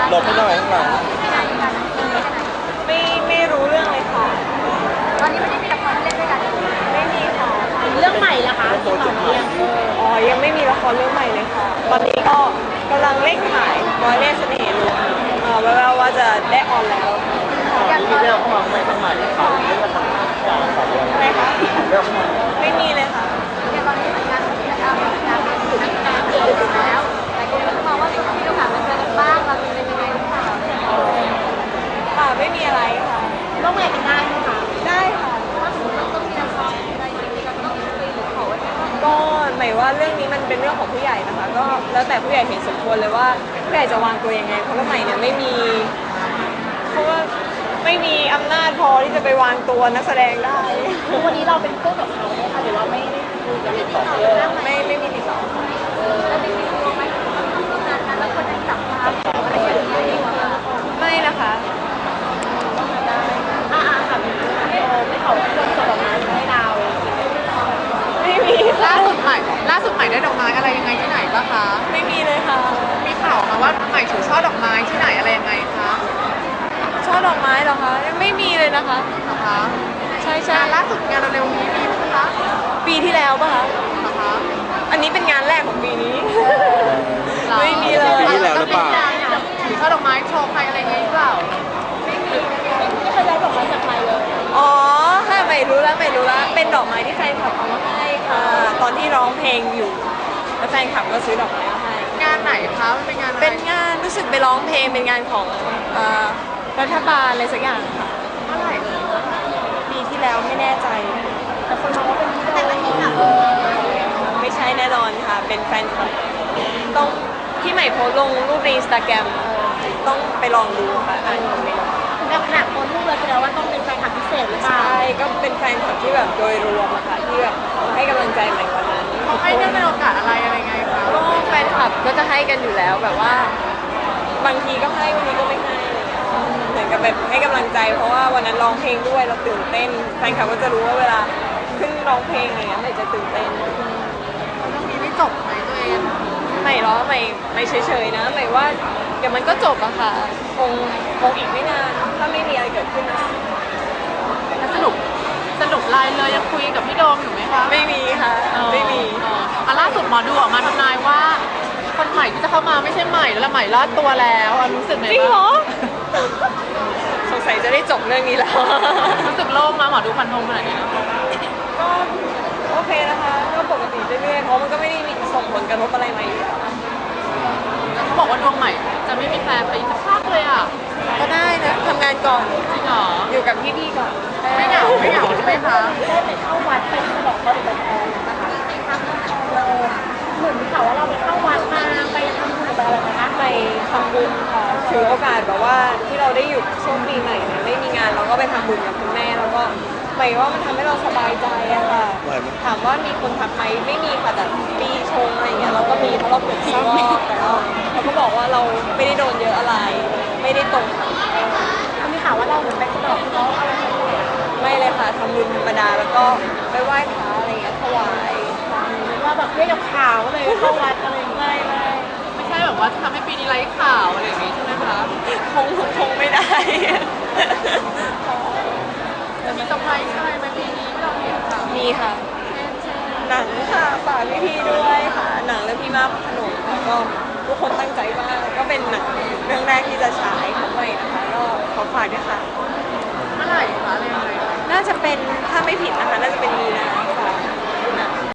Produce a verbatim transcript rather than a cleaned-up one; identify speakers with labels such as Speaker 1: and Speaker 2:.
Speaker 1: หลบไม่ได้ข้างหลัง
Speaker 2: ไม่ไม่รู้เรื่องเลยค่ะ
Speaker 3: ตอนนี้ไม่ได้มีละครเล่นด้วยกัน
Speaker 2: ไม่มีค่ะ
Speaker 3: เรื่องใหม่ละคะที่ต่อเรื่อง
Speaker 2: อ๋อยังไม่มีละครเรื่องใหม่เลยค่ะตอนนี้ก็กำลังเร่งถ่ายร้อยเล่ห์เสน่ห์ลวงเออแววๆว่าจะได้ออนแล้ว
Speaker 1: มีเรื่องเข้ามาใหม่ใหม่เขาเรื่องอะไร
Speaker 2: อะไรคะไม่มีเลยค่ะ
Speaker 3: อย่างตอนนี้เหมือนกันที่เราทำงานอยู่นักงานเองแล้วแต่คนก็มองว่าช่วงนี้เราผ่านมาเจอกันบ้างเราเป็นยังไงหรือเปล่า
Speaker 2: ค่ะไม่มีอะไรค่ะ
Speaker 3: ร่วมงานกันได้ไหมคะ
Speaker 2: ได้ค่ะ
Speaker 3: ถ้าสมมติว่าต้องมีละครอะไรอย่างนี้เราต้องคุยหรือขอไว้ไหม
Speaker 2: ก็หมายว่าเรื่องนี้มันเป็นเรื่องของผู้ใหญ่นะคะก็แล้วแต่ผู้ใหญ่เห็นสมควรเลยว่าผู้ใหญ่จะวางตัวยังไงเพราะว่าใหม่เนี่ยไม่มีเพราะว่าไม่มีอำนาจพอที่จะไปวางตัวนักแสดงได้
Speaker 3: วันนี้เราเป็นเพื่อนกับเขาไหมคะหรือว่าไม่ได้คุยกันติดต่อ
Speaker 2: ไม่ไม่มีติดต่อ
Speaker 3: แล้วจริงๆรู้ไหมว่าต้องทำงานกันแล้วคนยังจับมาอะไรอย่างเงี้ย
Speaker 2: ไม่นะคะ
Speaker 3: อ่าค่ะไม่เขาคนส่งดอกไม้ให้เรา
Speaker 2: ไม่มี
Speaker 4: ล่าสุดใหม่ล่าสุดใหม่ได้ดอกไม้อะไรยังไงที่ไหนบ้างคะ
Speaker 2: ไม่มีเลยค่ะ
Speaker 4: มีข่าวมาว่าใหม่ถือช่อดอกไม้ที่ไหนอะไรยังไงคะ
Speaker 2: ช่อดอกไม้เหรอคะยังไม่มีเลยนะคะ
Speaker 4: นะคะ
Speaker 2: ใช่ใช่
Speaker 4: ล่าสุดงานเร็วๆนี้มีไหมคะ
Speaker 2: ปีที่แล้วป่ะคะ
Speaker 4: นะคะ
Speaker 2: อันนี้เป็นงานแรกของปีนี้ไม่มีเลย
Speaker 1: ปีที่แล้วหรือเปล่า
Speaker 4: ถือช่อดอกไม้โชว์ใครอะไรเงี้ยหรือเปล่า
Speaker 3: ไม่เคยได้ดอกไม้จากใครเลย
Speaker 2: อ๋อค่ะไม่รู้แล้วไม่รู้แล้วเป็นดอกไม้ที่แฟนคลับเอามาให้ค่ะตอนที่ร้องเพลงอยู่แล้วแฟนคลับก็ซื้อดอกไม้มาให้
Speaker 4: งานไหนคะเป็นงาน
Speaker 2: เป็นงานรู้สึกไปร้องเพลงเป็นงานของรัฐบาลอะไรสักอย่างค่ะ
Speaker 4: เมื่อไหร่
Speaker 2: ปีที่แล้วไม่แน่ใจ
Speaker 3: แต่คนมองว่าเป็นที่แต่ละที่ค่ะ
Speaker 2: ไม่ใช่แน่นอนค่ะเป็นแฟนคลับต้องที่ใหม่โพสลงรูปในอินสตาแกรมต้องไปลองดูค่ะอ่านคอมเมนต์
Speaker 3: แบบขนาดคนรูปเลยแสดงว่าต้องเป็นแฟนคลับพิเศษหรือเปล่า
Speaker 2: ใช่ก็เป็นแฟนคลับที่แบบโดยรวมอะค่ะที่แบบให้กำลังใจใหม่วันนั้น
Speaker 4: เขาให้เนื่องในโอกาสอะไรอะไรไงคะ
Speaker 2: ก็แฟนคลับก็จะให้กันอยู่แล้วแบบว่าบางทีก็ให้วันนี้ก็ไม่ให้เหมือนกับแบบให้กำลังใจเพราะว่าวันนั้นร้องเพลงด้วยเราตื่นเต้นแฟนคลับก็จะรู้ว่าเวลาขึ้นร้องเพลงอะไรเงี้ยไม่จะตื่นเต้น
Speaker 4: เรื่องนี้ไม่จบไหมตัวเอง
Speaker 2: ไม่หรอไม่ไม่เฉยๆนะหมายว่าเดี๋ยวมันก็จบอะค่ะคงคงอีกไม่นานถ้าไม่มีอะไรเกิดขึ้นนะ
Speaker 4: สนุกสนุกไลน์เลยยังคุยกับพี่โดมอยู่ไหมคะ
Speaker 2: ไม่มีค่ะไม่มี
Speaker 4: อ่ะล่าสุดหมอดูออกมาทำนายว่าคนใหม่ที่จะเข้ามาไม่ใช่ใหม่แล้วใหม่รอดตัวแล้วรู้สึกไง
Speaker 2: จริงเหรอสงสัยจะได้จบเรื่องนี้แล้ว
Speaker 4: รู้สึกโล่งนะหมอดูฟันธงขนาดนี้
Speaker 2: ก็โอเคนะคะก็ปกติเรื่อยๆเพราะมันก็ไม่ได้มีส่งผลกระทบอะไรมาอยู่แล้ว
Speaker 4: เขาบอกว่าดวงใหม่จะไม่มีแฟนไปสักพักเลยอ่ะ
Speaker 2: ก็ได้นะทำงานก่อน
Speaker 4: จริงเหรอ
Speaker 2: อยู่กับพี่ๆก่อน
Speaker 4: ไม่เหงาไม่เหงาใช่ไหมคะ
Speaker 3: ได้ไปเข้าวัดไปฉลองก็ได้ไปแทนนะคะเราเหมือนข่าวว่าเราไปเข้าวัดมาไปทำบุญไปอะไรนะคะ
Speaker 2: ไปทำบุญค่ะถือโอกาสแบบว่าที่เราได้หยุดช่วงปีใหม่เนี่ยไม่มีงานเราก็ไปทำบุญกับคุณแม่แล้วก็หมายว่ามันทำให้เราสบายใจอะค่ะถามว่ามีคนทักไหมไม่มีค่ะแต่ปีชงอะไรเงี้ยเราก็มีเพราะเราเปิดซีรอบแต่เราเขาก็บอกว่าเราไม่ได้โดนเยอะอะไรไม่ได้ตรง
Speaker 3: มีข่าวว่าเราเหมือนไปสะดอกเขาอะไร
Speaker 2: ไม่เลยค่ะทำบุญธรรมดาแล้วก็ไปไหว้พระอะไรเงี้ยถวาย
Speaker 3: ว่าแบบเรียกข่าวก็เลยเข้าวัดอะไรไม่ไม่
Speaker 4: ไม่ใช่แบบว่าทำให้ปีนี้ไร้ข่าวอะไรอย่างงี้ใช่ไหมคะ
Speaker 2: คงคงไม่ได้
Speaker 4: จะมีเซอร์ไพรส์อะไรไหมปีนี้ที่เราเห็นค่ะ
Speaker 2: มีค่ะหนังค่ะฝากพี่ๆด้วยค่ะหนังเรื่องพี่มากขนมค่ะก็ทุกคนตั้งใจมากก็เป็นหนังเรื่องแรกที่จะฉายของใหม่นะคะก็ขอฝากด้วยค่ะ
Speaker 4: เมื่อไหร่คะอะไรยังไง
Speaker 2: น่าจะเป็นถ้าไม่ผิดนะคะน่าจะเป็นมีนา